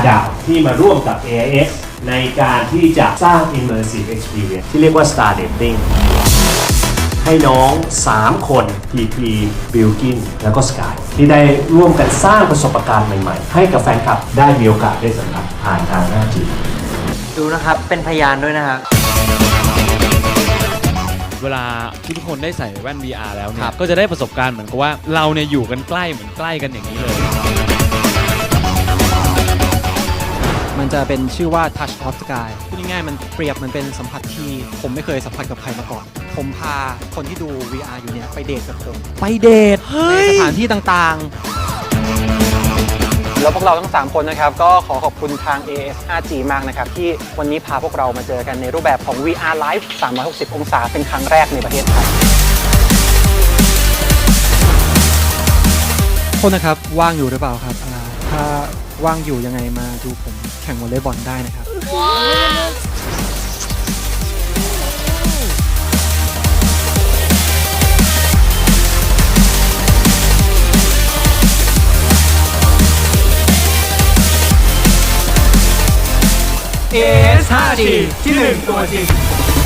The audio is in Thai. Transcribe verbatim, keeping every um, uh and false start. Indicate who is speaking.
Speaker 1: ดาวที่มาร่วมกับ เอ ไอ เอ็กซ์ ในการที่จะสร้าง Immersive Experience ที่เรียกว่า Star Dating ให้น้อง สาม คน พี พี บิลกิน แล้วก็ Sky ที่ได้ร่วมกันสร้างประสบการณ์ใหม่ๆ ให้กับแฟนคลับได้มีโอกาสได้สัมผัสผ่านทาง ไฟว์จี
Speaker 2: ดูนะครับ เป็นพยานด้วยนะครับ
Speaker 3: เวลาทุกคนได้ใส่แว่น วี อาร์ แล้วเนี่ยก็จะได้ประสบการณ์เหมือนกับว่าเราเนี่ยอยู่กันใกล้เหมือนใกล้กันอย่างนี้เลย
Speaker 4: มันจะเป็นชื่อว่า Touch of Sky พูดง่ายๆมันเปรียบมันเป็นสัมผัสที่ผมไม่เคยสัมผัสกับใครมาก่อนผมพาคนที่ดู วี อาร์ อยู่เนี่ยไปเดทกับผมไปเดทในสถานที่ต่างๆแล้วพวกเราทั้งสามคนนะครับก็ขอขอบคุณทาง เอ เอส ไฟว์จี มากนะครับที่วันนี้พาพวกเรามาเจอกันในรูปแบบของ วี อาร์ Live สามร้อยหกสิบ องศาเป็นครั้งแรกในประเทศไทยคนนะครับว่างอยู่หรือเปล่าครับถ้าว่างอยู่ยังไงมาดูผมแข่งวอลเลย์บอลได้นะครับว้าวเอ เอส ไฟว์จี ที่หนึ่งตัวจริง